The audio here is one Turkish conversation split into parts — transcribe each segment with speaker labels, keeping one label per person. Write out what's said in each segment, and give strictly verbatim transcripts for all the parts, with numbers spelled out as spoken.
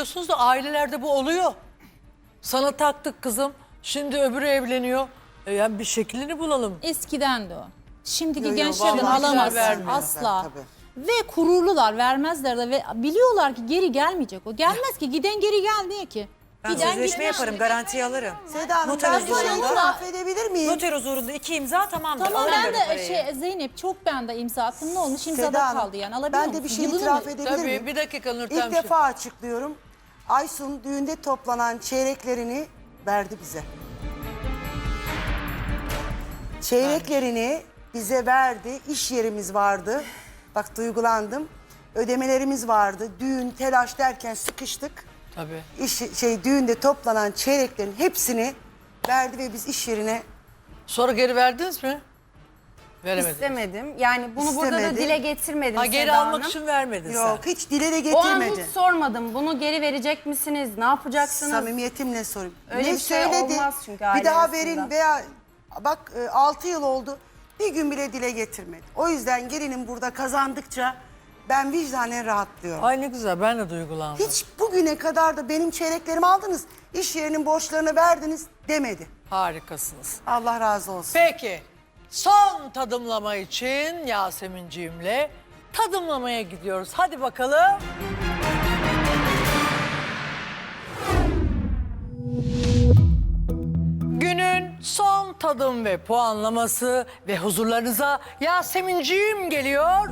Speaker 1: diyorsunuz da ailelerde bu oluyor. Sana taktık kızım. Şimdi öbürü evleniyor. E yani bir şeklini bulalım.
Speaker 2: Eskiden de o. Şimdiki
Speaker 3: Yo, yo,
Speaker 2: gençlerden
Speaker 3: vallahi
Speaker 2: alamazsın
Speaker 1: vermiyor.
Speaker 2: asla.
Speaker 3: Tabii.
Speaker 2: Ve kururlular, vermezler de ve biliyorlar ki geri gelmeyecek o. Gelmez ki, giden geri gel diye ki.
Speaker 4: Ben
Speaker 2: Giden
Speaker 4: sözleşme
Speaker 2: gitmez.
Speaker 4: yaparım, garantiye alırım.
Speaker 3: Seda Hanım
Speaker 4: Noter
Speaker 3: ben sana
Speaker 4: huzurunda.
Speaker 3: itiraf edebilir miyim?
Speaker 4: Noter huzurunda iki imza tamamdır.
Speaker 2: Tamam
Speaker 4: Alırım
Speaker 2: ben
Speaker 4: böyle
Speaker 2: de
Speaker 4: parayı.
Speaker 2: şey Zeynep çok ben de imza attım. Ne olmuş? İmzada
Speaker 3: Seda Hanım,
Speaker 2: kaldı yani. Alabiliyor
Speaker 3: ben de bir
Speaker 2: musun?
Speaker 3: şey
Speaker 2: Yılını
Speaker 3: itiraf
Speaker 2: mı?
Speaker 3: edebilir
Speaker 1: Tabii
Speaker 3: miyim?
Speaker 1: bir dakika Nurten.
Speaker 3: İlk defa açıklıyorum. Aysun düğünde toplanan çeyreklerini verdi bize. Çeyreklerini bize verdi. İş yerimiz vardı. Bak duygulandım. Ödemelerimiz vardı. Düğün, telaş derken sıkıştık.
Speaker 1: Tabii.
Speaker 3: İş, şey düğünde toplanan çeyreklerin hepsini verdi ve biz iş yerine
Speaker 1: Sonra geri verdiniz mi? Veremediniz.
Speaker 5: İstemedim. Yani bunu burada da
Speaker 3: İstemedi.
Speaker 5: dile getirmedim
Speaker 1: Ha geri
Speaker 5: Seda
Speaker 1: almak
Speaker 5: Hanım.
Speaker 1: için vermedin
Speaker 3: yok
Speaker 1: sen.
Speaker 3: hiç dile de
Speaker 5: O an hiç
Speaker 3: getirmedi.
Speaker 5: sormadım. Bunu geri verecek misiniz? Ne yapacaksınız?
Speaker 3: Samimiyetimle sorayım.
Speaker 5: Öyle
Speaker 3: ne
Speaker 5: bir şey
Speaker 3: söyledi?
Speaker 5: olmaz çünkü
Speaker 3: Bir
Speaker 5: aile
Speaker 3: daha
Speaker 5: arasında.
Speaker 3: verin veya bak e, altı yıl oldu. Bir gün bile dile getirmedi. O yüzden gelinim burada kazandıkça ben vicdanen rahatlıyorum.
Speaker 1: Ay ne güzel, ben de duygulandım.
Speaker 3: Hiç bugüne kadar da benim çeyreklerimi aldınız, iş yerinin borçlarını verdiniz demedi.
Speaker 1: Harikasınız.
Speaker 3: Allah razı olsun.
Speaker 1: Peki, son tadımlama için Yasemin'ciğimle tadımlamaya gidiyoruz. Hadi bakalım. Günün son tadım ve puanlaması ve huzurlarınıza Yasemin'ciğim geliyor.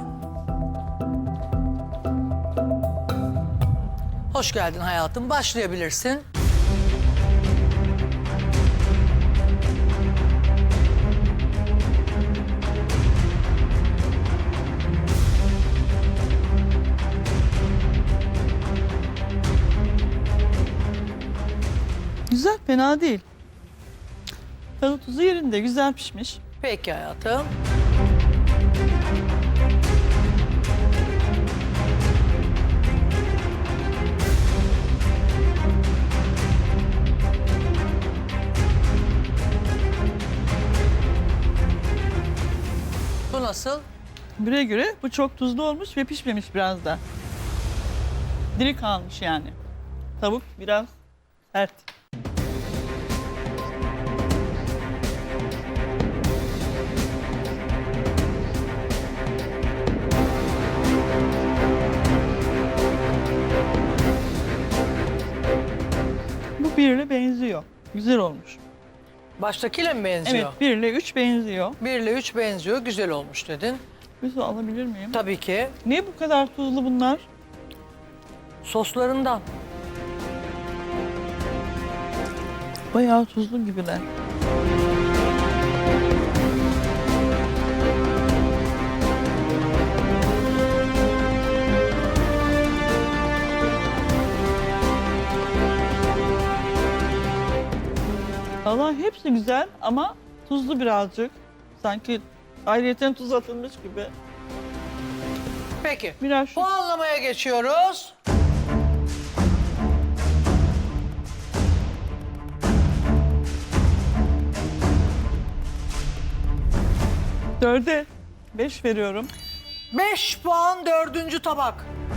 Speaker 1: Hoş geldin hayatım, başlayabilirsin.
Speaker 6: Güzel, fena değil. Tadı tuzu yerinde, güzel pişmiş.
Speaker 1: Peki hayatım. Bu nasıl?
Speaker 6: Bire göre bu çok tuzlu olmuş ve pişmemiş biraz da. Diri kalmış yani. Tavuk biraz sert. Bu birle benziyor. Güzel olmuş.
Speaker 1: Baştakiyle mi benziyor?
Speaker 6: Evet, birle üç benziyor.
Speaker 1: Bir ile üç benziyor, güzel olmuş dedin.
Speaker 6: Bir su alabilir miyim?
Speaker 1: Tabii ki
Speaker 6: Niye bu kadar tuzlu bunlar?
Speaker 1: soslarından.
Speaker 6: Bayağı tuzlu gibiler. Valla hepsi güzel ama tuzlu birazcık. Sanki ayrıyeten tuz atılmış gibi.
Speaker 1: Peki,
Speaker 6: Biraz şu
Speaker 1: puanlamaya geçiyoruz.
Speaker 6: dörde beş veriyorum.
Speaker 1: Beş puan dördüncü tabak.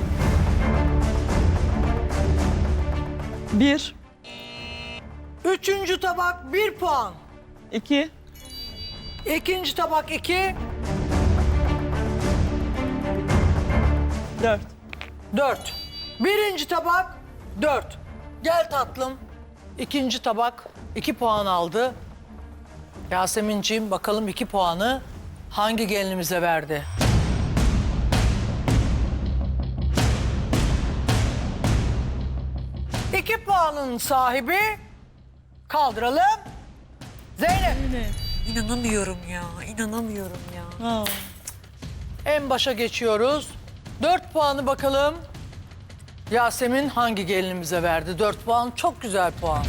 Speaker 6: bir,
Speaker 1: Üçüncü tabak bir puan.
Speaker 6: iki,
Speaker 1: İkinci tabak iki,
Speaker 6: dört.
Speaker 1: dört. Birinci tabak dört. Gel tatlım. İkinci tabak iki puan aldı. Yasemin'ciğim bakalım iki puanı hangi gelinimize verdi? İki puanın sahibi kaldıralım. Zeynep.
Speaker 4: İnanamıyorum ya, inanamıyorum ya.
Speaker 6: Ha.
Speaker 1: En başa geçiyoruz. Dört puanı bakalım. Yasemin hangi gelinimize verdi? Dört puan çok güzel puan.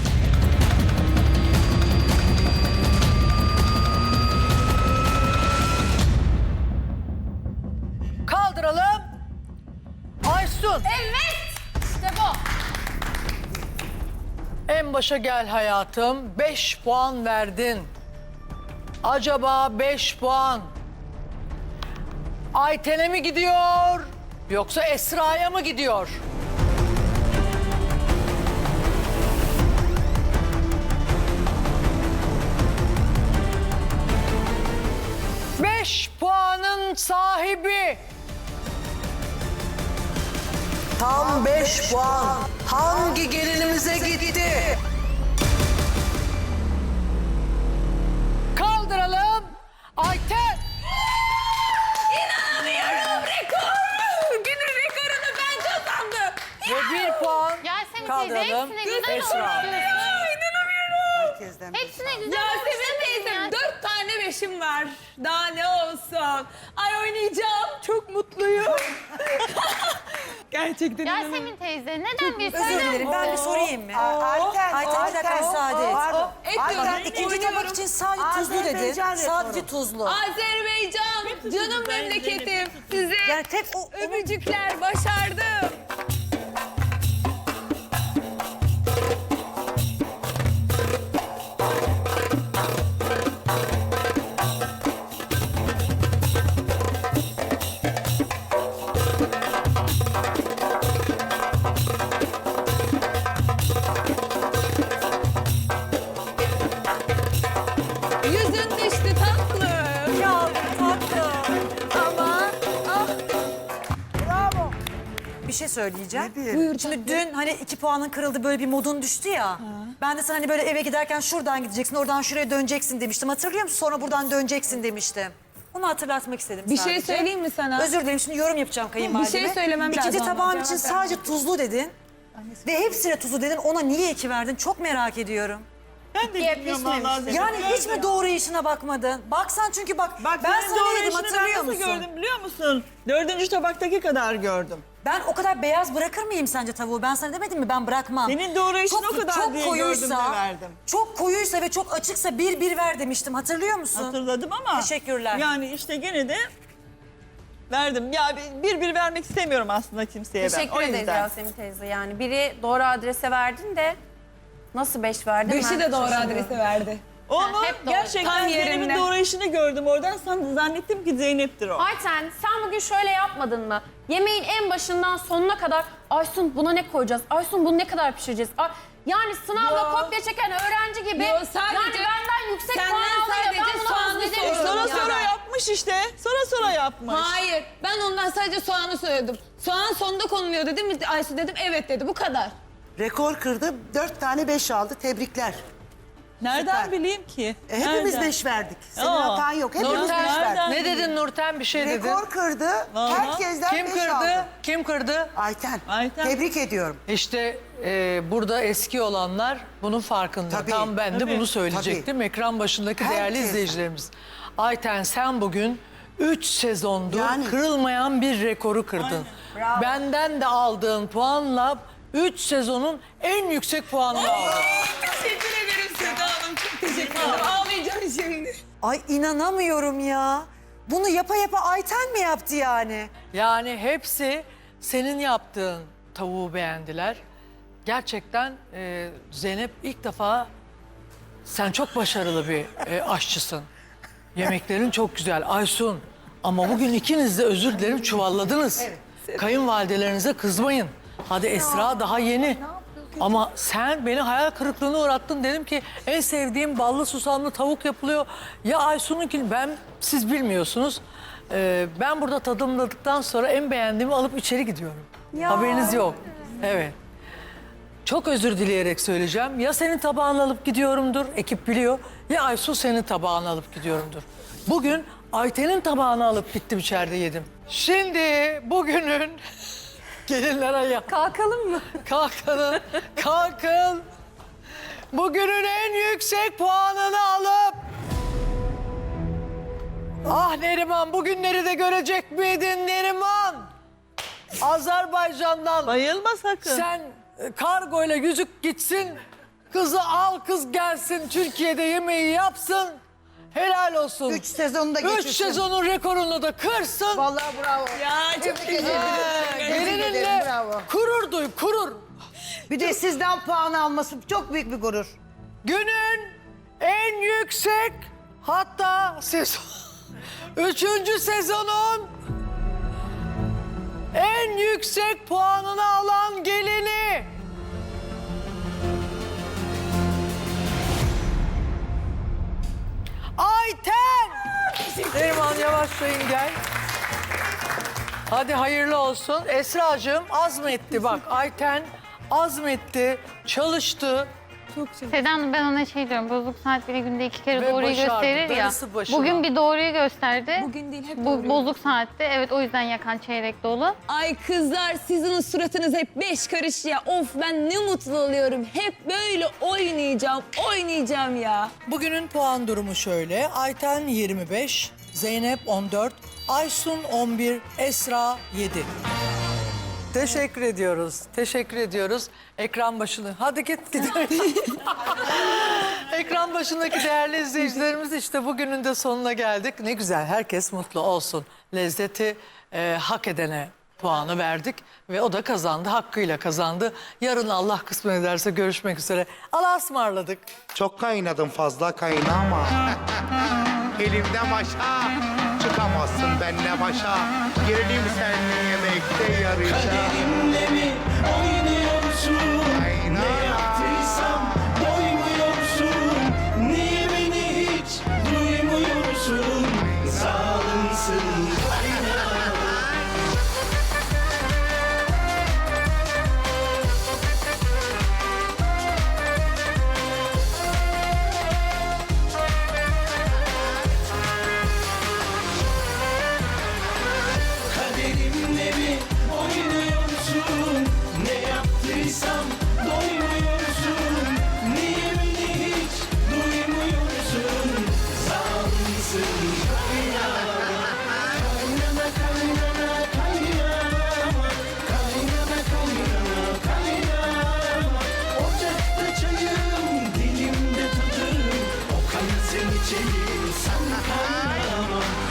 Speaker 1: Kaldıralım. Aysun.
Speaker 2: Evet. İşte bu.
Speaker 1: En başa gel hayatım. Beş puan verdin. Acaba beş puan Ayten'e mi gidiyor yoksa Esra'ya mı gidiyor? Tam beş puan. Hangi gelinimize gitti? Kaldıralım. Ayten.
Speaker 4: İnanamıyorum, rekor. Günün rekorunu ben kazandım.
Speaker 1: Ve bir puan
Speaker 7: Yasemin teyze
Speaker 1: kaldıralım.
Speaker 7: hepsine güzel
Speaker 1: Esra.
Speaker 7: olmuş.
Speaker 3: Herkesten beş
Speaker 7: Hepsine güzel
Speaker 8: Yasemin teyzem dört tane beşim var. Daha ne olsun. Ay oynayacağım. Çok mutluyum. Gerçekten inanamıyorum.
Speaker 7: Yasemin teyze neden bir
Speaker 4: Özür dilerim,
Speaker 7: söyler
Speaker 4: ben bir
Speaker 7: misin?
Speaker 4: sorayım mı?
Speaker 3: Ayten,
Speaker 4: Ayten, bir dakika müsaade et.
Speaker 3: Pardon.
Speaker 8: Et
Speaker 3: Ayten,
Speaker 8: diyorum.
Speaker 4: İkinci
Speaker 8: Oynuyorum.
Speaker 4: tabak için sadece tuzlu dedin.
Speaker 3: Azerbaycan
Speaker 4: Sadece
Speaker 3: rekoru.
Speaker 4: tuzlu.
Speaker 8: Azerbaycan, canım memleketim. Size
Speaker 4: Yani tek o...
Speaker 8: öpücükler, başardım. Yüzün düştü tatlım.
Speaker 4: Ya tatlım.
Speaker 8: Ama ah,
Speaker 4: Bir şey söyleyeceğim.
Speaker 3: Nedir?
Speaker 4: Şimdi dün hani iki puanın kırıldı böyle bir modun düştü ya. Ben de sana hani böyle eve giderken şuradan gideceksin, oradan şuraya döneceksin demiştim. Hatırlıyor musun? Sonra buradan döneceksin demiştim. Onu hatırlatmak istedim
Speaker 8: bir
Speaker 4: sadece.
Speaker 8: şey söyleyeyim mi sana?
Speaker 4: Özür dilerim şimdi yorum yapacağım kayınvalideme.
Speaker 8: Bir şey söylemem
Speaker 4: İkinci
Speaker 8: lazım ama
Speaker 4: tabağım
Speaker 8: cevap
Speaker 4: için
Speaker 8: vermem.
Speaker 4: sadece tuzlu dedin. Ve hepsine tuzlu dedin. Ona niye iki verdin? Çok merak ediyorum.
Speaker 6: Ben de bilmiyorum vallahi.
Speaker 4: Yani hiç mi doğru işine bakmadın? Baksan çünkü bak,
Speaker 6: Bak
Speaker 4: ben
Speaker 6: senin
Speaker 4: sana
Speaker 6: doğru
Speaker 4: ne dedim
Speaker 6: işini
Speaker 4: hatırlıyor
Speaker 6: ben nasıl
Speaker 4: musun?
Speaker 6: gördüm biliyor musun? Dördüncü tabaktaki kadar gördüm.
Speaker 4: Ben o kadar beyaz bırakır mıyım sence tavuğu? Ben sana demedim mi ben bırakmam.
Speaker 6: Senin doğru işin
Speaker 4: Çok-
Speaker 6: o kadar
Speaker 4: çok
Speaker 6: diye
Speaker 4: koyuysa,
Speaker 6: gördüm de verdim.
Speaker 4: Çok koyuysa ve çok açıksa bir bir ver demiştim hatırlıyor musun?
Speaker 6: Hatırladım ama.
Speaker 4: Teşekkürler.
Speaker 6: Yani işte gene de verdim. Ya bir bir vermek istemiyorum aslında kimseye ben.
Speaker 5: Teşekkür
Speaker 6: O
Speaker 5: ederiz
Speaker 6: yüzden.
Speaker 5: Yasemin teyze. Yani biri doğru adrese verdin de nasıl beş verdin?
Speaker 8: Beşi
Speaker 5: ben
Speaker 8: de doğru
Speaker 5: şaşırıyorum.
Speaker 8: adrese verdi.
Speaker 6: Onu
Speaker 7: hep doğru.
Speaker 6: gerçekten
Speaker 8: Tam
Speaker 6: Zeynep'in
Speaker 8: yerinde.
Speaker 6: doğru işini gördüm oradan. San- Zannettim ki Zeynep'tir o.
Speaker 5: Ayten sen bugün şöyle yapmadın mı? Yemeğin en başından sonuna kadar Aysun buna ne koyacağız? Aysun bunu ne kadar pişireceğiz? Ay, yani sınavda
Speaker 8: Yo.
Speaker 5: kopya çeken öğrenci gibi
Speaker 8: Yo, sadece-
Speaker 5: yani benden yüksek
Speaker 8: senden
Speaker 5: puan alıyor. Ben
Speaker 8: sadece
Speaker 5: buna
Speaker 8: soğanı
Speaker 5: hazmedemiyorum
Speaker 8: soruyorum
Speaker 6: Sonra
Speaker 5: ya.
Speaker 6: sonra yapmış işte. Sonra sonra yapmış.
Speaker 8: Hayır. Ben ondan sadece soğanı söyledim. Soğan sonda konuluyor dedim. Aysu dedim evet dedi. Bu kadar.
Speaker 3: Rekor kırdı. Dört tane beş aldı. Tebrikler.
Speaker 6: Nereden
Speaker 3: Süper.
Speaker 6: bileyim ki?
Speaker 3: E, hepimiz
Speaker 6: Nereden?
Speaker 3: beş verdik. Senin
Speaker 6: Aa.
Speaker 3: hatan yok. Hepimiz
Speaker 1: Nurten,
Speaker 3: beş verdik.
Speaker 6: nereden?
Speaker 1: ne dedin Nurten? Bir şey dedin.
Speaker 3: Rekor kırdı.
Speaker 6: Vallahi.
Speaker 3: Herkesten
Speaker 1: Kim
Speaker 3: beş
Speaker 1: kırdı?
Speaker 3: aldı.
Speaker 1: Kim kırdı?
Speaker 3: Ayten.
Speaker 6: Ayten.
Speaker 3: Tebrik ediyorum.
Speaker 1: İşte e, burada eski olanlar bunun farkında.
Speaker 3: Tabii.
Speaker 1: Tam ben de
Speaker 6: Tabii.
Speaker 1: bunu söyleyecektim. Ekran başındaki değerli
Speaker 3: Herkes.
Speaker 1: izleyicilerimiz. Ayten sen bugün üç sezondur
Speaker 3: Yani.
Speaker 1: kırılmayan bir rekoru kırdın. Benden de aldığın puanla üç sezonun en yüksek puanını aldın.
Speaker 8: Teşekkür ederim Seda Hanım. Çok teşekkür ederim. Ağlayacağım şimdi.
Speaker 4: Ay inanamıyorum ya. Bunu yapa yapa Ayten mi yaptı yani?
Speaker 1: Yani hepsi senin yaptığın tavuğu beğendiler. Gerçekten e, Zeynep ilk defa sen çok başarılı bir e, aşçısın. Yemeklerin çok güzel. Aysun ama bugün ikiniz de özür dilerim çuvalladınız. Kayınvalidelerinize kızmayın. Hadi Esra daha yeni. Ama sen beni hayal kırıklığına uğrattın. Dedim ki en sevdiğim ballı susamlı tavuk yapılıyor. Ya Aysun'unki ben siz bilmiyorsunuz. Ee, ben burada tadımladıktan sonra en beğendiğimi alıp içeri gidiyorum. Haberiniz yok. Evet. Çok özür dileyerek söyleyeceğim. Ya senin tabağını alıp gidiyorumdur, ekip biliyor. Ya Aysun senin tabağını alıp gidiyorumdur. Bugün Ayten'in tabağını alıp gittim içeride yedim. Şimdi bugünün gelinlere ya.
Speaker 5: Kalkalım mı?
Speaker 1: Kalkın, kalkın. Bugünün en yüksek puanını alıp... Ah Neriman, bugünleri de görecek miydin Neriman? Azerbaycan'dan
Speaker 6: Bayılma sakın.
Speaker 1: sen e, kargoyla yüzük gitsin, kızı al kız gelsin, Türkiye'de yemeği yapsın. Helal olsun.
Speaker 3: Üç sezonu da
Speaker 1: Üç
Speaker 3: geçirsin.
Speaker 1: sezonun rekorunu da kırsın.
Speaker 3: Vallahi bravo.
Speaker 8: Ya çok teşekkür
Speaker 1: Ee,
Speaker 8: ederim.
Speaker 1: Gelininle
Speaker 3: bravo.
Speaker 1: gurur duy, gurur.
Speaker 3: Bir de sizden puan alması çok büyük bir gurur.
Speaker 1: Günün en yüksek hatta sezon, üçüncü sezonun en yüksek puanını alan gelini. Ayten. Neriman yavaşlayın gel. Hadi hayırlı olsun. Esra'cığım azmetti bak. Ayten azmetti, çalıştı.
Speaker 7: Seda Hanım ben ona şey diyorum, bozuk saat biri günde iki kere
Speaker 1: Ve
Speaker 7: doğruyu
Speaker 1: başardı,
Speaker 7: gösterir ya.
Speaker 1: darısı başına.
Speaker 7: Bugün bir doğruyu gösterdi.
Speaker 8: Bugün değil, hep
Speaker 7: Bu
Speaker 8: doğruyu.
Speaker 7: bozuk saatte, evet o yüzden yakan çeyrek dolu.
Speaker 8: Ay kızlar sizin suratınız hep beş karış ya. Of ben ne mutlu oluyorum. Hep böyle oynayacağım, oynayacağım ya.
Speaker 1: Bugünün puan durumu şöyle. Ayten yirmi beş, Zeynep on dört, Aysun on bir, Esra yedi. Teşekkür ediyoruz. Teşekkür ediyoruz. Ekran başını. Hadi git gidelim. Ekran başındaki değerli izleyicilerimiz işte bugünün de sonuna geldik. Ne güzel herkes mutlu olsun. Lezzeti e, hak edene puanı verdik ve o da kazandı. Hakkıyla kazandı. Yarın Allah kısmet ederse görüşmek üzere. Allah'a ısmarladık.
Speaker 9: Çok kaynadım fazla kaynama. Elimden başa çıkamazsın benle başa. Girelim seninle yemekte yarışa.
Speaker 10: Kaderimle mi oynuyorsun? Ne yaptıysam doymuyorsun. Niye beni hiç duymuyorsun? Zalimsin kaynana. Kaderimle mi oynuyorsun? Ne yaptıysam doymuyorsun. Niye beni hiç duymuyorsun? Zalimsin kaynana. Kaynana kaynana kaynana. Kaynana kaynana kaynana. Ocakta çayım, dilimde tadım. O kanı sen içeyim, sen kaynama.